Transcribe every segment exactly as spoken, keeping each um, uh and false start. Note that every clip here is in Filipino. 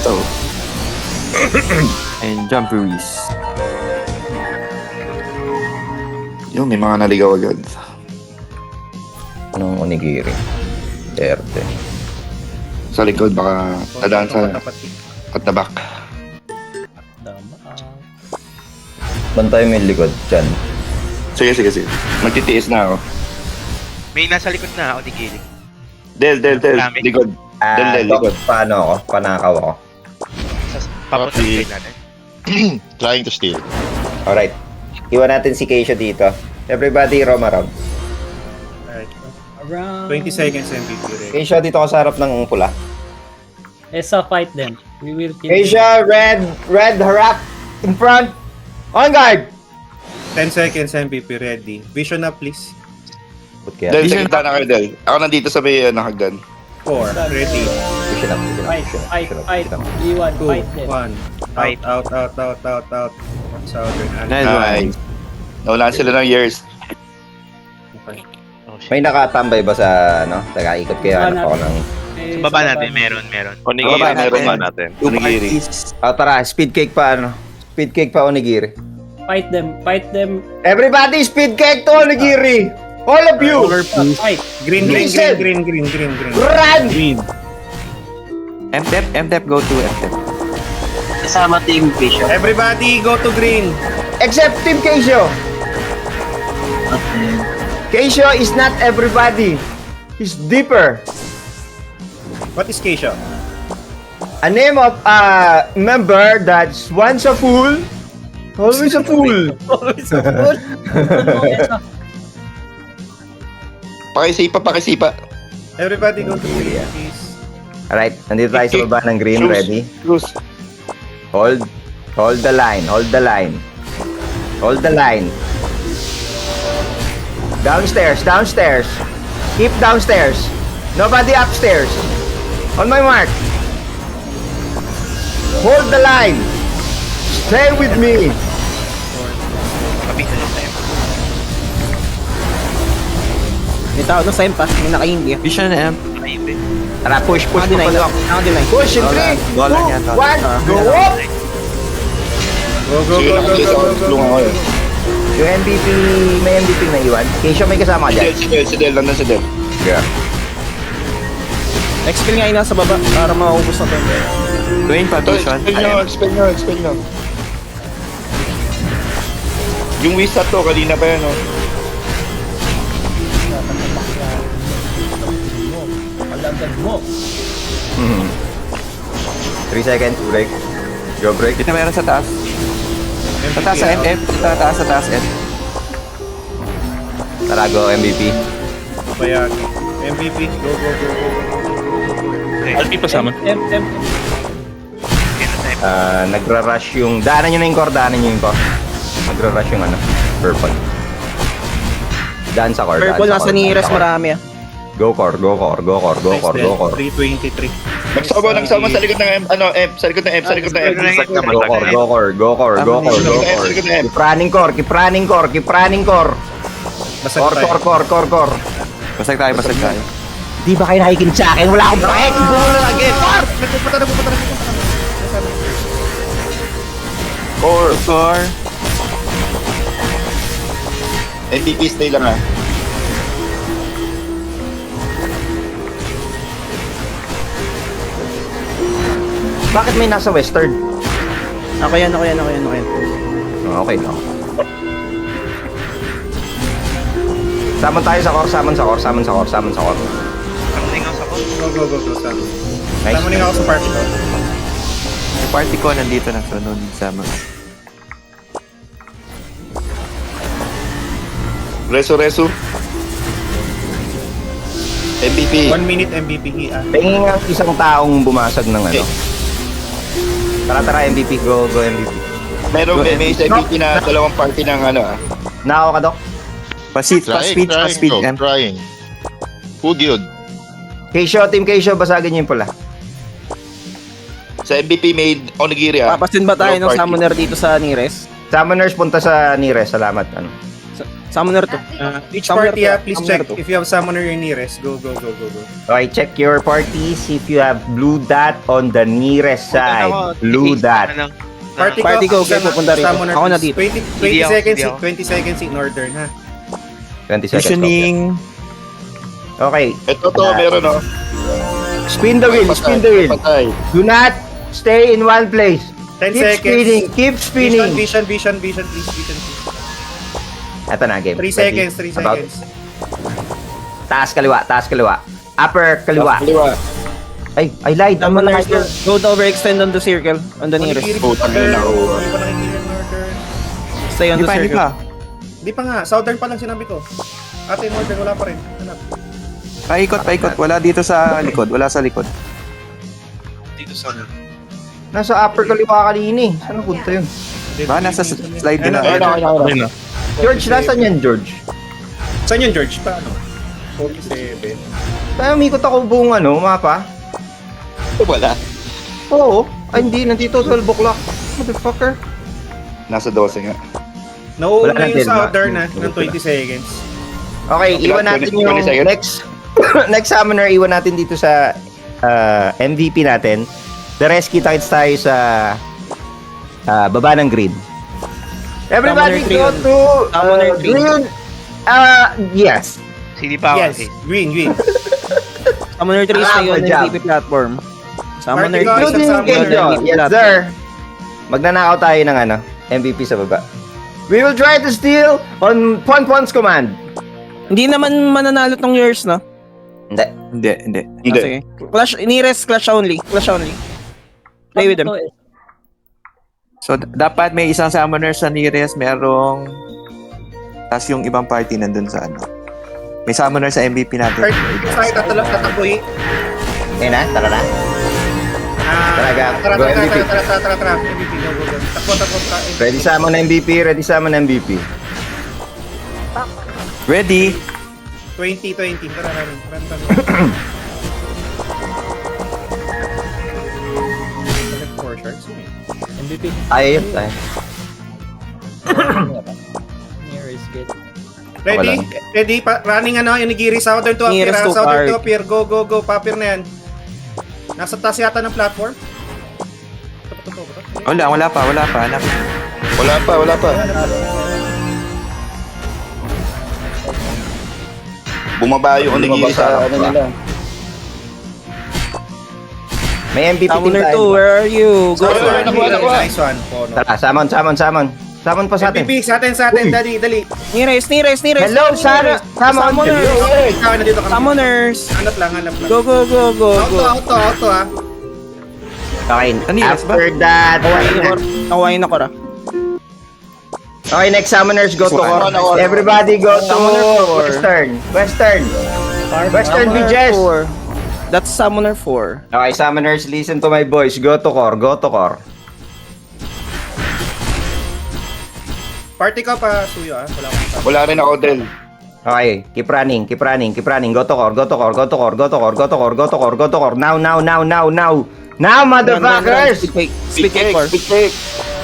So. And Jumperies. Yung may mga naligaw agad. Anong onigiri? Derte. Sa likod, baka tadaan sa at the back. Bantay mo yung likod dyan. Sige, sige, sige. Magtitiis na ako. May nasa likod na ako ni Gili. Del, del, del. Marami. Likod. Ah, Del, del, Doc, likod. paano ako? Panakaw ako. Papunta Okay. sa natin. Trying to steal. Alright. Iwan natin si Keisha dito. Everybody roam around. Alright. Around... twenty seconds M V P ready. Keisha, dito ka sa harap ng pula. Esa, fight them. We will kill Keisha, red, red, harap, in front. On guard! ten seconds M V P ready. Vision up please. Ba't kaya? Del, sa gitna na kayo, Del. Ako nandito sa may uh, nakagdan. four, ready. Vision up, vision up, Fight, vision up, fight, vision up, fight. vision up. Iwan, two, fight them. one. Fight. Out, out, out, out, out, out. Southern Nice Alliance. one. Nawalan sila ng years. Okay. Oh, shit. May nakatambay ba sa, ano? Nakaikot kayo, Sa hanap ako ng... Eh, Sa baba sa natin, meron, meron. Onigiri, Baba meron natin. ba natin? Two Onigiri. parties. Oh, tara, speed cake pa, ano? Speed cake pa, onigiri. Fight them, fight them. Everybody, speed cake to onigiri! All of you! Fight. Green, green, Listen. green, green, green, green, green. Run! M-Tep, M-Tep, go to M-Tep. Kasama team Vision. Everybody go to green. Except Team Keisho. Keisho is not everybody. He's deeper. What is Keisha? A name of a member that's once a fool, always a fool. Always a fool. Ano, Esa? Pakisipa, pakisipa. Everybody go to green please. Alright, nandito tayo sa baba ng green, Shoes. ready? Cruz. Hold, hold the line, hold the line. Hold the line. Downstairs, downstairs. Keep downstairs. Nobody upstairs. On my mark. Hold the line. Stay with me. Kapitan yung time. May tao doon sa impas, may naka-hindi. Vision M. Ayun din. Tara, push, push, Naka-deny push. lang. Naka-deny. Push in three, Goal lang two, yan, tol. one, go up! Go, go, Sige go, lang, go, please. go, Ako go, go. tulungan ko yun. Yung M V P, may M V P na iwan. Keisha, may kasama ka Si dyan. Del, si Del, si Del. Nandun si Del. Yeah. Expel nga yun nasa baba para maubos na tayo. Dwayne, Ito, Patricia. expel nyo, expel nyo, expel nyo. Yung Wizard to, kanina pa yan, oh. Alagad mo. Mhm. Three seconds, break. Go break. Dito meron sa taas. Sa taas sa M F. Sa taas, sa taas M. Tara, go M V P. Bayagi. M V P, go, go, go, go. Alpi pa sama. M, M, Ah, nagra-rush yung... Daanan nyo na yung core, daanan nyo yung core. Nagra-rush yung ano, purple. Daan sa core, daan Purple sa nasa core, ni daan Res sa core. marami ah. Go core, go core, go core, go Nice core, dead. go core. three twenty-three. Nagsama, nagsama sa likod ng M, ano, M, sa likod ng M, sa likod ng M. Go core, go core, go core, go core, go Sa core. likod ng M. Keep running core, keep running core, keep running core. Basag Core, tayo. core, core, core, core. Basag tayo, basag tayo. Di ba kayo nakikinig sa akin? Wala akong pake! Gulo lang again! Core! Core, core. M V P, stay lang, ah. Bakit may nasa western? Ako yan, ako yan, ako yan, ako yan. Oh, okay lang. Saman tayo sa core, saman sa core, saman sa core, saman sa core. Kamuning ako sa ko. Go, go, go, go, Sam. Nice. Tama ako sa party ko. Yung party ko nandito na sunod sa mga. Reso, reso. M V P. One minute M V P ah. Tingin nga isang taong bumasag ng ano. Tara, tara, M V P, go, go M V P. Meron, may, may M V P na dalawang party ng ano, ah. Nakaw ka, Dok? Pasit, Trying, pa-speed, trying, pa-speed, bro, M. trying. Who guild? Keisho, Team Keisho, basagin niyo yung pula. Sa M V P made onigiri, ah. Papasin ba tayo ng Dalawang party. summoner dito sa Nires? Summoners, punta sa Nires, salamat. Ano. Sa, Summoner to. Uh, each Summoner party, to, ah, please summoner check to. if you have summoner your nearest. Go, go, go, go, go. Okay, check your parties if you have blue dot on the nearest side. Blue dot. Ano? Party, Party ko, ko, okay, isa na- pupunta rito. summoner, Ako na please. dito. twenty, Hindi twenty ako, seconds, hindi in- ako. twenty seconds in order, ha? twenty seconds. Visioning. Okay. Ito to, meron oh. Spin the wheel, spin the wheel. Patay. Do not stay in one place. ten Keep seconds. spinning, keep Vision, spinning. vision, vision, vision, please, vision, please. Ito na, game. three Ready? seconds, three About. seconds. Taas kaliwa, taas kaliwa. Upper kaliwa. Kaliwa. Ay, I lied. I'm Summoner not to. Go to overextend on the circle. On the nearest. Nakikiri Oh, pa tangina na, order. oh. Hindi pa nakikiri yung order. Stay on Hindi the pa, hindi circle. pa. Di pa nga, southern pa lang sinabi ko. Ate, in order, wala pa rin. Hanap. Paikot, paikot. Wala dito sa likod. Wala sa likod. Dito sa ano? Nasa upper kaliwa kanina eh. Saan napunta yun? Ba, nasa slide Ayun na. na, ayun na, ayun na. Ayun na. George, nasaan yan, George? Saan yun, George? Paano? forty-seven. Kaya umikot ako buong ano, mapa. Wala. Oo. Ay, hindi. Nandito, twelve o'clock. Motherfucker. Nasa twelve nga. Nauuna Wala yung din, southern ma- na, ng twenty seconds. Okay, Okay, iwan natin twenty yung seconds. next next summoner, iwan natin dito sa uh, M V P natin. The rest, kita-kits tayo sa uh, baba ng grid. Everybody Summoner three go on- to Summoner uh, three. green. Uh, yes. Hindi pa ako Yes, kasi. green, green. Summoner three Ah, stay on good the job. M V P platform. Summoner Party ko, three. isang Including summoner. Kenjo. Yes, sir. Magnanakaw tayo ng ano, M V P sa baba. We will try to steal on Ponpon's command. Hindi naman mananalo tong yours, no? Hindi. Hindi, hindi. Ah, Hindi. sige. Clash, nearest clash only. Clash only. Play with them. So, d- dapat may isang summoner sa nearest, merong... Tapos yung ibang party nandun sa ano. May summoner sa M V P natin. Party, tayo tatalap, tataboy. Ayun na, tara na. Ah, Talaga, Tara, go tara, M V P. tara, tara, tara, tara, tara. M V P, go, go, go. Takbo, takbo, takbo. Ready summon M V P, ready summon M V P. Ready? twenty, twenty. Tara, run, run, run. Select four sharks. M V P. Ayaw yun, tayo. Here is good. Ready? Ready? Pa running ano, yung Nigiri Southern to appear. Nearest ah. to Southern to park. appear. Go, go, go. Papir na yan. Nasa taas yata ng platform. Ito, ito, ito, ito. Wala, wala pa, wala pa. Hanap. Wala pa, wala pa. Bumaba yung onigiri sa ano nila. May M V P din Summoner two, tayo. where are you? Go. Nice Nakuha, one, nakuha, nakuha. nice one. Oh, no. Tara, summon, summon, summon. Summon pa sa M V atin. P, sa atin, sa atin. Uy. Dali, dali. Nearest, nearest, nearest. Hello, Sarah. Summon. Summoners. Ikaw, nandito kami. Summoners. Hanap lang, hanap lang. Go, go, go, go, Auto, go. auto, auto, ah. Okay, Nearest ba? after that. Nakuhain ako. Nakuhain ako ra. Okay, next summoners go to Ako, ako, ako. Everybody go to Summoner four. Western. Western. Western Summoner Beaches. four. That's Summoner four. Okay, summoners, listen to my voice. Go to core, go to core. Party ka pa, Suyo, ah. Wala akong Wala rin ako, Del. Okay, keep running, keep running, keep running. Go to core, go to core, go to core, go to core, go to core, go to core, go to core. Now, now, now, now, now. Now, motherfuckers! Speed cake. Speed Speed cake cake, core. speed cake.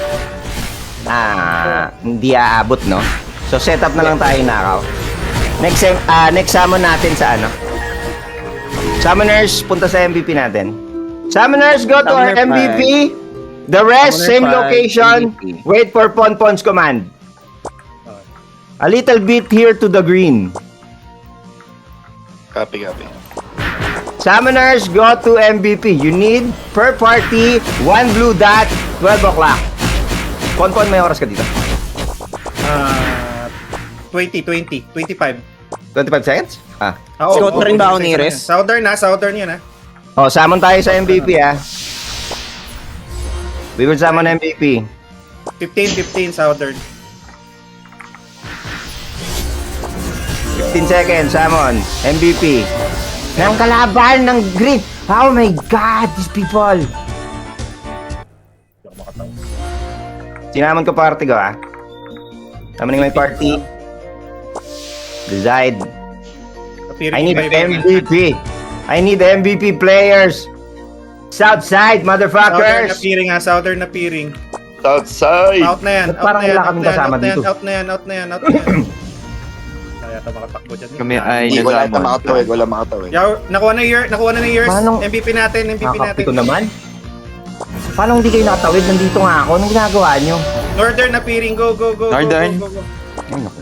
Ah, hindi aabot, no? So, set up na lang tayo nakaw. Next, sem- ah, next summon natin sa ano? Summoners, punta sa M V P natin. Summoners, go to our Summoner M V P. The rest, Summoner same five, location. M V P. Wait for Ponpon's command. A little bit here to the green. Copy, copy. Summoners, go to M V P. You need, per party, one blue dot, twelve o'clock. Ponpon, may oras ka dito. Ah, twenty, twenty, twenty-five. twenty-five seconds? Ah. Ah, Scout oo, rin ba ako oo, nearest? Southern na, southern yan, ah. Oh, summon tayo sa M V P, ah. We will summon M V P. fifteen, fifteen, southern. fifteen seconds, summon. M V P. Ng kalaban ng grid. Oh my God, these people. Sinamon ko party ko, ah. Summoning my party. Decide. Appearing I need iba-iba. M V P. I need M V P players. Southside, Southern motherfuckers. appearing, ah. Southern appearing. Southside! Out na yan, Ba't out parang na yan, wala out kaming na yan, kasama out na yan, dito? out na yan, out na yan, out na yan. Wala yata makatakbo dyan. Kami ay Hindi, wala ata nagsamon. makatawid. Wala makatawid. Yaw, nakuha na year, nakuha na ng years. Manong- M V P natin, M V P natin. Nakakapi ko naman. Paano hindi kayo nakatawid? Nandito nga ako. Anong ginagawa nyo? Northern appearing, go, go, go, Northern. go, go, go, go. Ay, naku.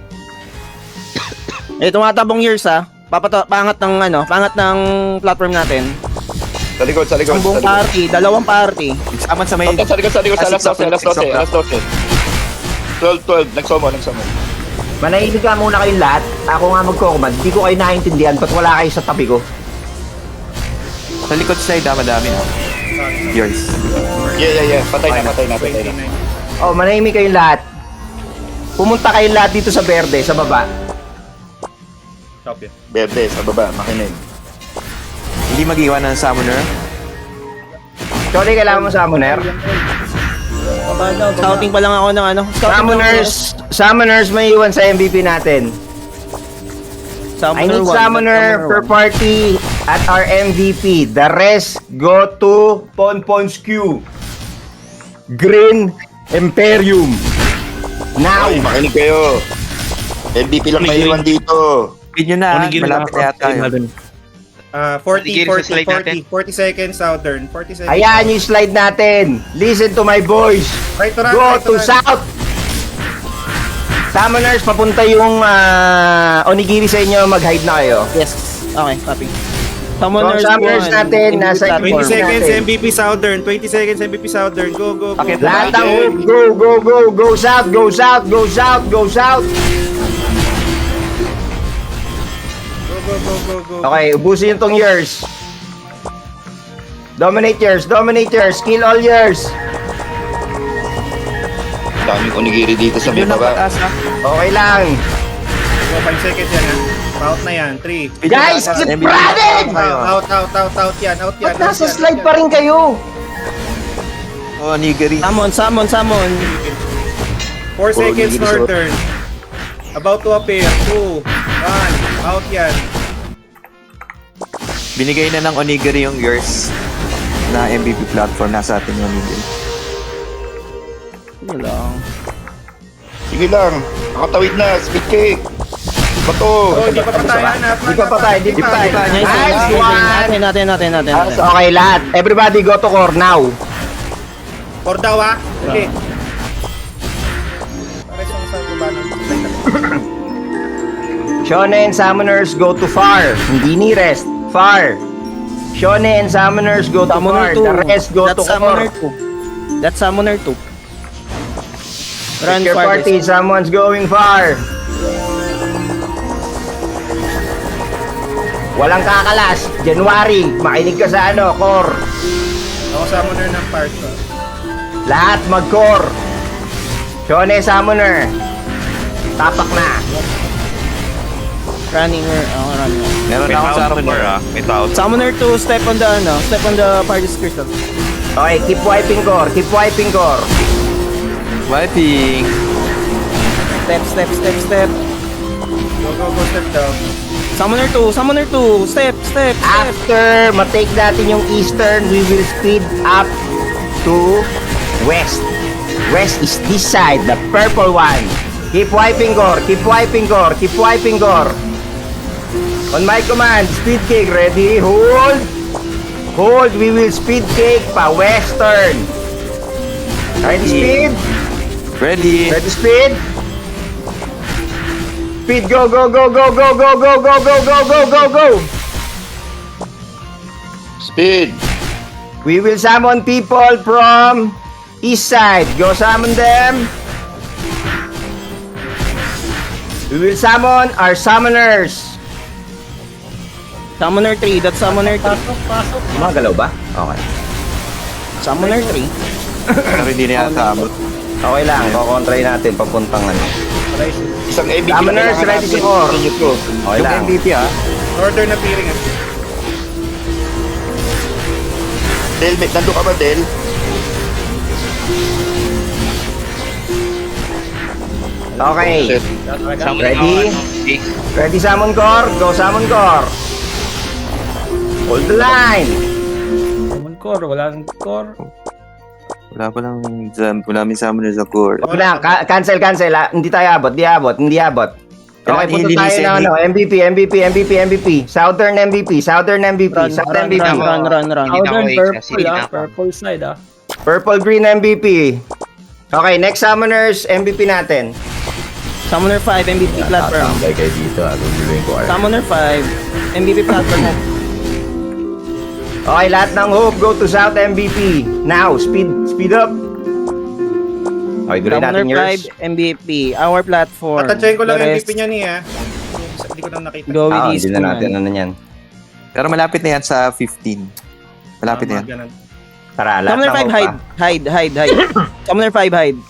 Eh, tumatabong years ha. Papato, pangat ng ano, pangat ng platform natin. Sa likod, sa likod. Ang buong Sa likod. party, dalawang party. Saman sa may... Okay, sa likod, sa likod. Sa Ah, alas six twelve, alas o'clock, twelve, six alas twelve. twelve, twelve. Nagsomo, nagsomo. Manahimik ka muna kayong lahat. Ako nga magkukumad. Hindi ko kayo naiintindihan. Ba't wala kayo sa tabi ko? Sa likod side, ah, madami na. Yours. Yeah, yeah, yeah. Patay na, patay na, patay na. twenty-nine. Oh, manahimik kayong lahat. Pumunta kayong lahat dito sa berde, sa baba. Stop yun. Berde, sa baba, makinig. Hindi mag-iwan ng summoner. Sorry, kailangan mo summoner. Baba daw, baba. Scouting pa lang ako ng ano. Scouting Summoners, summoners may iwan sa M V P natin. I need one, summoner per one. party at our M V P. The rest go to Ponpon's Q. Green Imperium. Now! Ay, makinig kayo. M V P lang maiwan dito. Feed nyo na, ah. Onigiri malapit na yata yun. Ah, forty, Onigiri sa forty, slide forty, natin. forty seconds southern, forty seconds. Ayan yung slide natin. Listen to my voice. Right to run, Go right to run. south. Summoners, papunta yung ah, onigiri sa inyo. Mag-hide na kayo. Yes. Okay, copy. So, Summoners, summoners one, natin, M V P nasa platform. twenty seconds natin. M V P southern, twenty seconds M V P southern. Go, go, go. Okay, go. Lahat ng go, go, go, go south, go south, go south, go south. Go, go, go, go, go. Okay, ubusin yung tong years. Dominate yours, dominate yours, kill all yours. Daming onigiri dito sa may Yun ang baba. pataas, ah. Okay lang. Go, five seconds yan ha. Out na yan, three. Feed nyo Guys, na, ah. keep M V P running! kayo, ah. Out, out, out, out yan, out yan. Ba't out nasa yan, slide out pa yan. rin kayo? Oh, nigiri. Summon, summon, summon. Four Puro seconds onigiri sa- northern. About to appear. Two, one, out yan. Binigay na ng onigiri yung yours na M V P platform. Nasa atin yung onigiri. Yun lang. Sige lang. Nakatawid na. Speed cake. Bato. Oh, hindi pa patay, hanap. Di pa patay, di pa patay. Nice, Nice nice, one! Natin, natin, natin, natin. Ah, so, okay, lahat. Everybody go to core now. Or daw ha? Sige. Pares yung sa baba ng Shonen Summoners go to far. Hindi nearest. Far. Shonen Summoners go to Summoner far. two. The rest go to That's core. Summoner two. That's Summoner two. Run Pick your farthest. party. Someone's going far. Walang kakalas. January. Makinig ka sa ano, core. Ako summoner ng part ko. Lahat mag-core. Shonen Summoner. Tapak na. Running, oh, running. Meron May na akong tao summoner. ah. May tao. Summoner two, step on the, ano, step on the party's crystal. Okay, keep wiping core. Keep wiping core. Wiping. Step, step, step, step. Go, go, go, step down. Summoner two, Summoner two, step, step, step. After matake natin yung eastern, we will speed up to west. West is this side, the purple one. Keep wiping core, keep wiping core, keep wiping core. On my command, speed cake, ready, hold. Hold, we will speed cake pa western. Ready speed? Ready. Ready speed? Speed, go, go, go, go, go, go, go, go, go, go, go, go, go. Speed. We will summon people from east side. Go summon them. We will summon our summoners. Summoner three, that's Summoner three. Magalaw ba? Okay. Summoner three. Pero hindi na yata abot. Okay lang. Kukontray natin papuntang ano. Isang M V P. Summoners, ready to core. Ko. Okay Yung lang. M V P, ah. Northern appearing ha. Del, may- nandun ka ba, Del? Okay. Shit. Summon Ready? ako, ano, okay. Ready summon core? Go summon core. Hold the line. Summon core, wala nang core. Wala pa lang, wala may summoner sa core. Wag na. Ka- cancel, cancel. ah. Hindi tayo abot. Hindi abot. Hindi abot. Okay, Kailangan punta tayo ilinisin ng ni- ano, M V P, M V P, M V P, M V P. Southern M V P, Southern M V P, Run, South run, M V P. run, run, run, run. Hindi na Southern ako purple exhaust, hindi ah. na ako. Purple side ah. Purple Green M V P. Okay, next Summoners M V P natin. Summoner five, M V P platform. Tatambay kayo dito, ah. Guguloyin ko kayo. Summoner five, M V P platform. Okay, lahat ng hope go to South M V P. Now, speed speed up. Okay, guloy Summoner natin five, yours. M V P. Our platform. Tatadyain ko lang The M V rest, P niya niya. Hindi ko lang nakita. Go with Ah, these hindi two, na natin man. ano yan. Pero malapit na yan sa fifteen. Malapit na yan. Mga ganun. Tara, lahat Summoner ng five, hope, hide. ah. Hide, hide, hide. Summoner five, hide.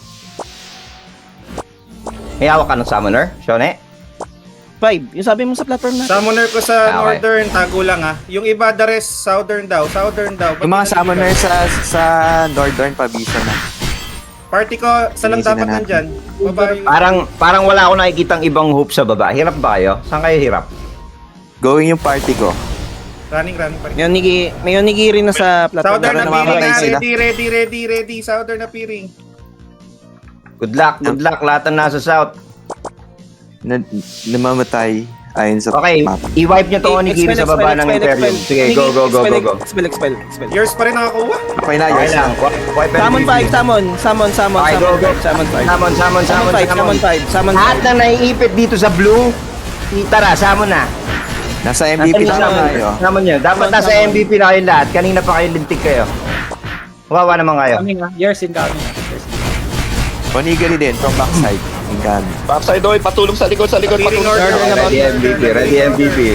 May hawak ka ng Summoner, Shone? five. Yung sabi mo sa platform na. Summoner ko sa Okay. northern, tago lang ah. Yung iba, the rest, southern daw. Southern daw. Yung mga Ba't summoner nandito? sa sa Northern Pabisa na. Party ko, saan lang Easy na dapat natin. nandyan? Baba yung... Parang parang wala akong nakikitang ibang hope sa baba. Hirap ba kayo? Saan kayo hirap? Going yung party ko. Running, running pa rin. May onigi, may onigiri na sa platform. Southern Meron appearing namamatay na. sila. Ready, ready, ready, ready. Southern appearing. Good luck, good luck. Lahat ng nasa south. Na, namamatay ayon sa Okay, map. i-wipe nyo to onigiri sa baba ng Imperium. Sige, go, go, go, go, go. Expel, expel, expel. Yours pa rin nakakuha. Okay na, Okay yours lang. na. Wi- Wipe Summon M V P. five, summon, summon, summon, Okay, go, summon, go. summon five. Summon, summon, Summon summon, five, summon. summon five, summon Lahat five. na naiipit dito sa blue, tara, summon na. Nasa M V P Summon, na summon. tayo. Summon nyo. Dapat Summon, nasa summon. M V P na kayo lahat. Kanina pa kayo lintik kayo. Wawa naman kayo. Coming ah. Yours incoming. Yours incoming. Onigiri din from backside. Inggan. Backside oy, patulong sa likod, sa likod, Appearing patulong. northern. Ready M V P, ready M V P.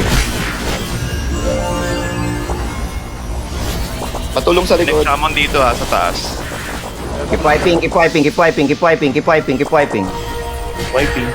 Patulong sa likod. Next summon dito ha, sa taas. Keep wiping, keep wiping, keep wiping, keep wiping, keep wiping, keep wiping. Wiping.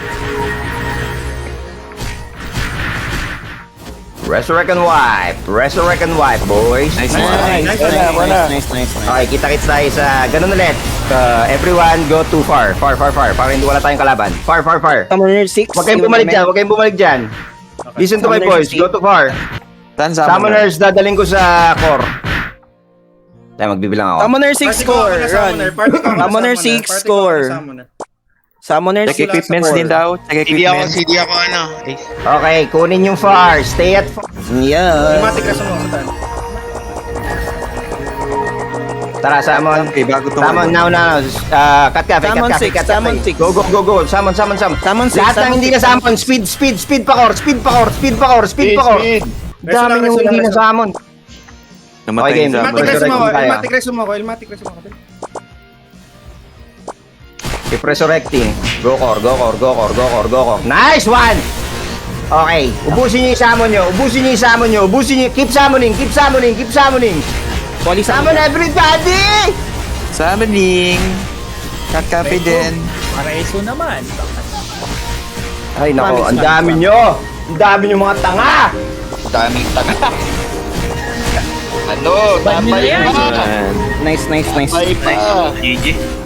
Resurrect and wipe. Resurrect and wipe, boys. Nice Nice, one. nice, nice, nice, nice, nice, nice. Okay, kita-kits tayo sa ganun ulit. Uh, everyone go too far. Far, far, far. Para hindi wala tayong kalaban. Far, far, far. Summoner six. Huwag kayong bumalik dyan. Huwag kayong bumalik dyan. Listen to my Summoner voice. Go too far. Saan summoner? Summoners, dadaling ko sa core. Tayo, magbibilang ako. Summoner six Party ko ako score, na run. summoner. Party ko ako na Summoner summoner. six Party ko ako na score. summoner. Summoner Check six equipments score. din daw. Check Hindi ako, equipments. hindi ako ano. Eh, Okay, kunin yung far. Stay at far. Yeah. Automatic na sumo sa tan. Tara, summon. Okay, bago ito. Summon now, now. Uh, cut cafe, cut Summon cafe, six, cut summon cafe. six. Go, go, go, go. Summon, summon, summon. Summon six, Lahat ng summon hindi six, na summon. Speed, speed, speed pa core. Speed pa core. Speed pa core. Speed Speed, pa core. speed. Reso Dami lang, yung reso lang, hindi na reso. summon. Namatay Okay, game. sa Elmatic Resurrect resumo ako. tayo. Elmatic resumo ako. Elmatic resumo ako. Keep resurrecting. Go core, go core, go core, go core, go core. Nice one! Okay, ubusin niyo yung summon niyo. Ubusin niyo yung summon niyo. Ubusin niyo. Keep summoning, keep summoning, keep summoning. Poly Summon summon. everybody! Summoning. Cut cafe din. Para iso naman. Ay nako, Promise ang lang, dami promise. niyo. Ang dami niyo mga tanga. Daming taga. Ano, Bad nila tapay yan. pa. Ayan. Nice, nice, nice. Tapay pa. G G.